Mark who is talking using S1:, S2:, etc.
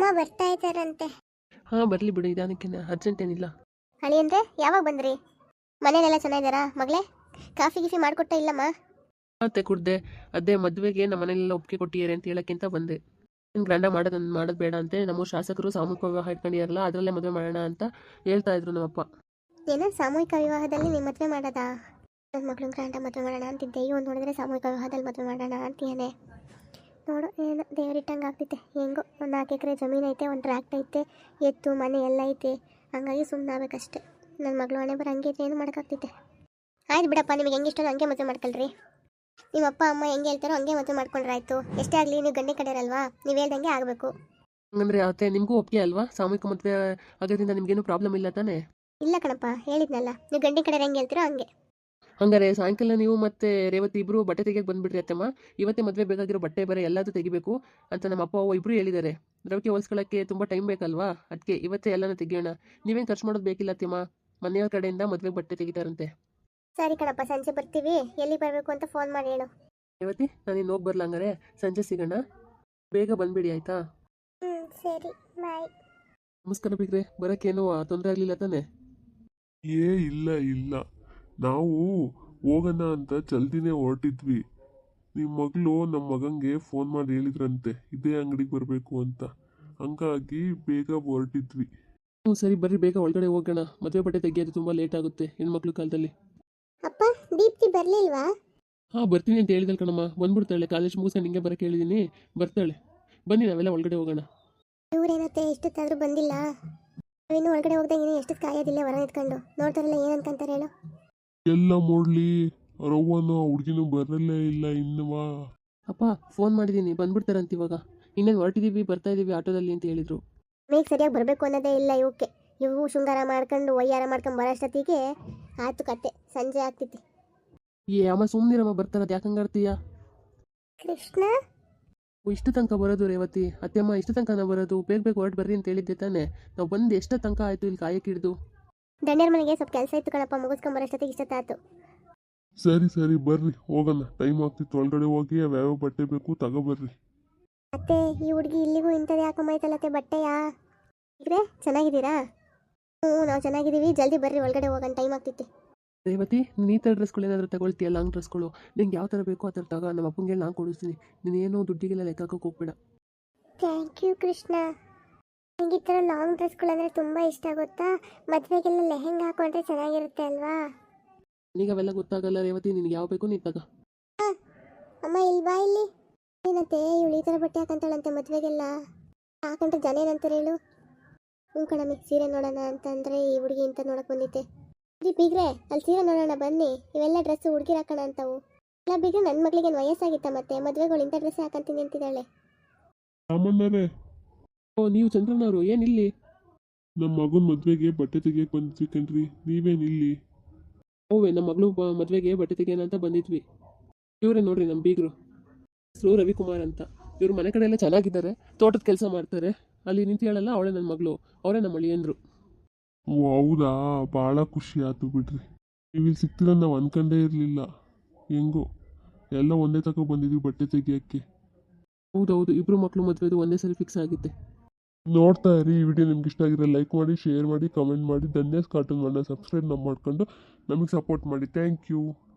S1: ಬರ್ತಾ ಇದ್ದಾರಂತೆ.
S2: ಹಾಂ ಬರಲಿ ಬಿಡು, ನಿಧಾನಕ್ಕೇನೆ, ಅರ್ಜೆಂಟ್ ಏನಿಲ್ಲ.
S1: ಹಳಿ ಅಂದರೆ ಯಾವಾಗ ಬಂದ್ರಿ? ಮನೇಲೆಲ್ಲ ಚೆನ್ನಾಗಿದ್ದಾರಾ ಮಗಳೇ? ಕಾಫಿ ಗಿಫಿ ಮಾಡಿಕೊಟ್ಟ ಇಲ್ಲಮ್ಮ?
S2: ಮತ್ತೆ ಕುಡ್ದೆ, ಅದೇ ಮದುವೆಗೆ ನಮ್ಮ ಮನೆಯಲ್ಲೆಲ್ಲ ಒಪ್ಪಿಗೆ ಕೊಟ್ಟಿದ್ದಾರೆ ಅಂತ ಹೇಳೋಕ್ಕಿಂತ ಬಂದೆ. ಇನ್ನು ಗ್ರ್ಯಾಂಡಾಗಿ ಮಾಡೋದು ಬೇಡ ಅಂತೆ. ನಮ್ಮ ಶಾಸಕರು ಸಾಮೂಹಿಕ ವಿವಾಹ ಇಟ್ಕೊಂಡಿರಲ್ಲ, ಅದರಲ್ಲೇ ಮದುವೆ ಮಾಡೋಣ ಅಂತ ಹೇಳ್ತಾ ಇದ್ರು ನಮ್ಮಪ್ಪ.
S1: ಏನೋ ಸಾಮೂಹಿಕ ವಿವಾಹದಲ್ಲಿ ನೀವು ಮದುವೆ ಮಾಡೋದಾ? ನನ್ನ ಮಗಳು ಗ್ರ್ಯಾಂಡಾಗಿ ಮದುವೆ ಮಾಡೋಣ ಅಂತಿದ್ದೆ, ಇವ್ ನೋಡಿದ್ರೆ ಸಾಮೂಹಿಕ ವಿವಾಹದಲ್ಲಿ ಮದುವೆ ಮಾಡೋಣ ಅಂತೀಯಾನೆ. ನೋಡು ಏನು ದೇವರಿಟ್ಟಂಗೆ ಆಗ್ತೈತೆ. ಹೆಂಗೋ ಒಂದು 4 ಎಕರೆ ಜಮೀನು ಐತೆ, ಒಂದು ಟ್ರ್ಯಾಕ್ಟ್ ಐತೆ, ಎತ್ತು ಮನೆ ಎಲ್ಲ ಐತೆ, ಹಂಗಾಗಿ ಸುಮ್ಮನೆ ಆಗ್ಬೇಕಷ್ಟೆ. ನನ್ನ ಮಗಳು ಹಣೆ ಬರೋ ಹಂಗೆ ಏನು ಮಾಡೋಕ್ಕಾಗ್ತೈತೆ. ಆಯ್ತು ಬಿಡಪ್ಪ, ನಿಮಗೆ ಹೆಂಗೆ ಇಷ್ಟ ಹಂಗೆ ಮದುವೆ ಮಾಡ್ಕೊಳ್ರಿ. ನಿಮ್ಮ ಅಪ್ಪ ಅಮ್ಮ ಹೆಂಗೆ ಹೇಳ್ತಾರೋ ಹಂಗೆ ಮದುವೆ ಮಾಡ್ಕೊಂಡ್ರೆ ಆಯಿತು. ಎಷ್ಟೇ ಆಗಲಿ ನೀವು ಗಂಡೆ ಕಡೆಯರಲ್ವಾ, ನೀವು ಹೇಳ್ದಂಗೆ ಆಗಬೇಕು.
S2: ಹಂಗಂದ್ರೆ ಅತ್ತೆ ನಿಮಗೂ ಒಪ್ಪಿಗೆ ಅಲ್ವಾ? ಸಾಮೂಹಿಕ ಮದುವೆ ಆಗೋದ್ರಿಂದ ನಿಮಗೇನು ಪ್ರಾಬ್ಲಮ್ ಇಲ್ಲ ತಾನೇ?
S1: ಇಲ್ಲ ಕಣಪ್ಪ, ಹೇಳಿದ್ನಲ್ಲ, ನೀವು ಗಂಡೆ ಕಡೆ ಹೆಂಗೆ ಹೇಳ್ತೀರೋ ಹಂಗೆ.
S2: ಹಂಗಾರೆ ಸಾಯಂಕಾಲ ನೀವು ಮತ್ತೆ ರೇವತಿ ಇಬ್ಬರು ಬಟ್ಟೆ ತೆಗಿಯಕ್ಕೆ ಬಂದುಬಿಡ್ರಿ ಅತ್ತಮ್ಮ. ಇವತ್ತೇ ಮದುವೆ ಬೇಕಾಗಿರೋ ಬಟ್ಟೆ ಬರೆ ಎಲ್ಲದೂ ತೆಗಿಬೇಕು ಅಂತ ನಮ್ಮ ಅಪ್ಪ ಅವ್ವ ಇಬ್ಬರು ಹೇಳಿದ್ದಾರೆ. ರವಿಕೆ ಹೊಲ್ಸ್ಕೊಳ್ಳೋಕ್ಕೆ ತುಂಬ ಟೈಮ್ ಬೇಕಲ್ವಾ, ಅದಕ್ಕೆ ಇವತ್ತೇ ಎಲ್ಲನೂ ತೆಗಿಯೋಣ. ನೀವೇನು ಖರ್ಚು ಮಾಡೋದು ಬೇಕಿಲ್ಲ ಅತ್ತಮ್ಮ, ಮನೆಯವ್ರ ಕಡೆಯಿಂದ ಮದುವೆಗೆ ಬಟ್ಟೆ ತೆಗಿತಾರಂತೆ.
S1: ಸರಿ ಕಣಪ್ಪ, ಸಂಜೆ ಬರ್ತೀವಿ, ಎಲ್ಲಿ ಬರಬೇಕು ಅಂತ ಫೋನ್ ಮಾಡಿ ಹೇಳು.
S2: ರೇವತಿ, ನಾನು ಇನ್ನು ಹೋಗಿ ಬರಲ್ಲ, ಹಂಗಾರೆ ಸಂಜೆ ಸಿಗೋಣ, ಬೇಗ ಬಂದುಬಿಡಿ ಆಯಿತಾ?
S1: ಸರಿ, ಬಾಯ್.
S2: ನಮಸ್ಕಾರ ಬಿಗ್ರೆ, ಬರೋಕ್ಕೇನು ತೊಂದರೆ ಆಗಲಿಲ್ಲ ತಾನೇ?
S3: ಇಲ್ಲ, ನಾವು ಹೋಗೋಣ ಅಂತ ಜಲ್ದಿನೇ ಹೊರಟಿದ್ವಿ. ನಿಮ್ಮ ಮಗಳು ನಮ್ಮ ಮಗಂಗೆ ಫೋನ್ ಮಾಡಿ ಹೇಳಿದ್ರಂತೆ ಇದೇ ಅಂಗಡಿಗೆ ಬರಬೇಕು ಅಂತ, ಹಂಗಾಗಿ ಬೇಗ ಹೊರಟಿದ್ವಿ.
S2: ಹ್ಞೂ ಸರಿ ಬರ್ರಿ, ಬೇಗ ಒಳಗಡೆ ಹೋಗೋಣ. ಮದುವೆ ಬಟ್ಟೆ ತೆಗಿಯೋದು ತುಂಬ ಲೇಟ್ ಆಗುತ್ತೆ ಹೆಣ್ಮಕ್ಳು ಕಾಲದಲ್ಲಿ.
S1: ಅಪ್ಪ, ದೀಪ್ತಿ ಬರಲಿಲ್ವಾ?
S2: ಹಾಂ ಬರ್ತೀನಿ ಅಂತ ಹೇಳಿದಳು ಕಣಮ್ಮ, ಬಂದ್ಬಿಡ್ತಾಳೆ. ಕಾಲೇಜ್ ಮುಗಿಸ್ಕೊಂಡು ಹಿಂಗೆ ಬರೋಕ್ಕೆ ಹೇಳಿದ್ದೀನಿ, ಬರ್ತಾಳೆ. ಬನ್ನಿ ನಾವೆಲ್ಲ ಒಳಗಡೆ ಹೋಗೋಣ.
S1: ಇವ್ರೇನತ್ತೆ ಎಷ್ಟೊತ್ತಾದರೂ ಬಂದಿಲ್ಲ? ನಾವಿನ್ನು ಒಳಗಡೆ ಹೋಗ್ದಾಗ ಇನ್ನೂ ಎಷ್ಟೊತ್ತು ಕಾಯೋದಿಲ್ಲ ಹೊರ ನಿಂತ್ಕೊಂಡು? ನೋಡ್ತಾರಲ್ಲ ಏನು ಅನ್ಕೊಂತಾರೆ ಹೇಳು?
S3: ಎಲ್ಲ ಮೂಡ್ಲಿ, ರವ್ವನು ಹುಡುಗಿನೂ ಬರಲೇ ಇಲ್ಲ ಇನ್ನುವಾ.
S2: ಅಪ್ಪ ಫೋನ್ ಮಾಡಿದ್ದೀನಿ, ಬಂದ್ಬಿಡ್ತಾರಂತ ಇವಾಗ. ಇನ್ನೇನು ಹೊರಟಿದ್ದೀವಿ, ಬರ್ತಾ ಇದ್ದೀವಿ ಆಟೋದಲ್ಲಿ ಅಂತ ಹೇಳಿದರು.
S1: ಮೇಗ್ ಸರಿಯಾಗಿ ಬರಬೇಕು ಅನ್ನೋದೇ ಇಲ್ಲ ಇವಕ್ಕೆ. ಇವು ಶೃಂಗಾರ ಮಾಡ್ಕೊಂಡು ಒಯ್ಯಾರ ಮಾಡ್ಕೊಂಡು ಬರೋಷ್ಟೊತ್ತಿಗೆ ಆಯ್ತು ಕತೆ, ಸಂಜೆ ಆಗ್ತೈತಿ.
S2: ಅಮ್ಮ ಸುಮ್ಮನಿರಮ್ಮ, ಬರ್ತಾರದು ಯಾಕೆ ಹಂಗಾಡ್ತೀಯ?
S1: ಕೃಷ್ಣ
S2: ಇಷ್ಟು ತನಕ ಬರೋದು ರೇವತಿ? ಅತ್ತೆಮ್ಮ ಇಷ್ಟು ತನಕ ನಾವು ಬರೋದು? ಬೇಗ ಹೊರಟು ಬರ್ರಿ ಅಂತ ಹೇಳಿದ್ದೆ ತಾನೇ. ನಾವು ಬಂದು ಎಷ್ಟು ತನಕ ಆಯಿತು ಇಲ್ಲಿ ಕಾಯಕ್ಕೆ ಹಿಡಿದು?
S1: ದಂಡ್ಯರ ಮನೆಗೆ ಸ್ವಲ್ಪ ಕೆಲಸ ಇತ್ತು ಕಣಪ್ಪ, ಮುಗಿಸ್ಕೊಂಡು ಬರೋಷ್ಟೊತ್ತಿಗೆ ಇಷ್ಟೊತ್ತಾಯ್ತು.
S3: ಸರಿ ಬರ್ರಿ ಹೋಗೋಣ, ಟೈಮ್ ಆಗ್ತಿತ್ತು. ಒಳಗಡೆ ಹೋಗಿ ಯಾವ್ಯಾವ ಬಟ್ಟೆ ಬೇಕು ತಗೋಬರ್ರಿ.
S1: ಅತ್ತೆ, ಈ ಹುಡುಗಿ ಇಲ್ಲಿಗೂ ಇಂಥದ್ದು ಯಾಕಂಬೈತಲ್ಲತ್ತೆ ಬಟ್ಟೆಯಾ? ಇದ್ರೆ ಚೆನ್ನಾಗಿದ್ದೀರಾ? ನಾವು ಚೆನ್ನಾಗಿದ್ದೀವಿ, ಜಲ್ದಿ ಬರ್ರಿ ಒಳಗಡೆ ಹೋಗೋಣ, ಟೈಮ್ ಆಗ್ತೈತಿ.
S2: ರೇವತಿ, ನೀನು ಈ ಥರ ಡ್ರೆಸ್ಗಳು ಏನಾದರೂ ತಗೊಳ್ತೀಯ? ಲಾಂಗ್ ಡ್ರೆಸ್ಗಳು ನಿಂಗೆ ಯಾವ ಥರ ಬೇಕೋ ಆ ಥರ ತಗೋ. ನಮ್ಮ ಅಪ್ಪಂಗೆ ನಾನು ಕೊಡಿಸ್ತೀನಿ, ನೀನೇನು ದುಡ್ಡಿಗೆಲ್ಲ ಲೆಕ್ಕ ಹಾಕೋಕೆ ಹೋಗ್ಬೇಡ.
S1: Thank you Krishna. ನನಗೆ ಈ ಥರ ಲಾಂಗ್ ಡ್ರೆಸ್ಗಳಂದರೆ ತುಂಬ ಇಷ್ಟ, ಗೊತ್ತಾ? ಮದುವೆಗೆಲ್ಲ ಲೆಹೆಂಗಾ ಹಾಕೊಂಡ್ರೆ ಚೆನ್ನಾಗಿರುತ್ತೆ ಅಲ್ವಾ?
S2: ನನಗೆ ಅವೆಲ್ಲ ಗೊತ್ತಾಗಲ್ಲ ರೇವತಿ, ನಿನಗೆ ಯಾವ ಬೇಕು ನೀನು ತಗೋ.
S1: ಅಮ್ಮ ಇಲ್ವಾ ಇಲ್ಲಿ? ಏನಂತೆ ಇವಳು ಈ ಥರ ಬಟ್ಟೆ ಹಾಕಂತಾಳಂತೆ ಮದುವೆಗೆಲ್ಲ? ಹಾಕೊಂಡ್ರೆ ಜನ ಏನಂತಾರೆ ಹೇಳು? ಹ್ಞೂ ಕಣಮ್ಮಿ, ಸೀರೆ ನೋಡೋಣ ಅಂತಂದರೆ ಈ ಹುಡುಗಿ ಇಂಥ ನೋಡಕ್ಕೆ ಬಂದಿತ್ತೆ. ಬೀಗ್ರೆ, ಅಲ್ಲಿ ಸೀರೆ ನೋಡೋಣ ಬನ್ನಿ, ಇವೆಲ್ಲ ಡ್ರೆಸ್ಸು ಹುಡುಗಿರು ಹಾಕೋಣ ಅಂತವು. ಇಲ್ಲ ಬೀಗ್ರೆ, ನನ್ನ ಮಗಳಿಗೆ ವಯಸ್ಸಾಗಿತ್ತ ಮತ್ತೆ ಮದುವೆಗಳು ಇಂಥ ಡ್ರೆಸ್ ಹಾಕಂತೀನಿ ಅಂತಿದ್ದಾಳೆ.
S3: ರಾಮಣ್ಣರೇ,
S2: ಓ ನೀವು ಚಂದ್ರನವರು, ಏನಿಲ್ಲಿ?
S3: ನಮ್ಮ ಮಗನ ಮದುವೆಗೆ ಬಟ್ಟೆ ತೆಗಿಯಕ್ಕೆ ಬಂದ್ವಿ ಕಣ್ರಿ, ನೀವೇನಿಲ್ಲಿ?
S2: ಓವೇ, ನಮ್ಮ ಮಗಳು ಮದುವೆಗೆ ಬಟ್ಟೆ ತೆಗಿಯೋಣ ಅಂತ ಬಂದಿದ್ವಿ. ಇವರೇ ನೋಡ್ರಿ ನಮ್ಮ ಬೀಗರು, ಹೆಸರು ರವಿಕುಮಾರ್ ಅಂತ. ಇವ್ರ ಮನೆ ಕಡೆ ಎಲ್ಲ ಚೆನ್ನಾಗಿದ್ದಾರೆ, ತೋಟದ ಕೆಲಸ ಮಾಡ್ತಾರೆ. ಅಲ್ಲಿ ನಿಂತು ಹೇಳಲ್ಲ, ಅವಳೇ ನನ್ನ ಮಗಳು, ಅವರೇ ನಮ್ಮ ಅಳಿಯಂದ್ರು.
S3: ಓ ಹೌದಾ, ಭಾಳ ಖುಷಿ ಆಯ್ತು ಬಿಡ್ರಿ. ನೀವು ಇಲ್ಲಿ ಸಿಗ್ತೀರ ನಾವು ಅನ್ಕೊಂಡೇ ಇರಲಿಲ್ಲ. ಹೆಂಗೋ ಎಲ್ಲ ಒಂದೇ ತಗೋ ಬಂದಿದ್ವಿ ಬಟ್ಟೆ ತೆಗಿಯೋಕ್ಕೆ.
S2: ಹೌದೌದು, ಇಬ್ಬರು ಮಕ್ಕಳು ಮದುವೆದು ಒಂದೇ ಸರಿ ಫಿಕ್ಸ್ ಆಗಿದೆ.
S3: ನೋಡ್ತಾ ಇರಿ. ಈ ವಿಡಿಯೋ ನಿಮ್ಗೆ ಇಷ್ಟ ಆಗಿರೋ ಲೈಕ್ ಮಾಡಿ, ಶೇರ್ ಮಾಡಿ, ಕಮೆಂಟ್ ಮಾಡಿ. ಧನ್ಯಸ್ ಕಾರ್ಟೂನ್ ಮಾಡೋ ಸಬ್ಸ್ಕ್ರೈಬ್ ಮಾಡ್ಕೊಂಡು ನಮಗೆ ಸಪೋರ್ಟ್ ಮಾಡಿ. Thank you.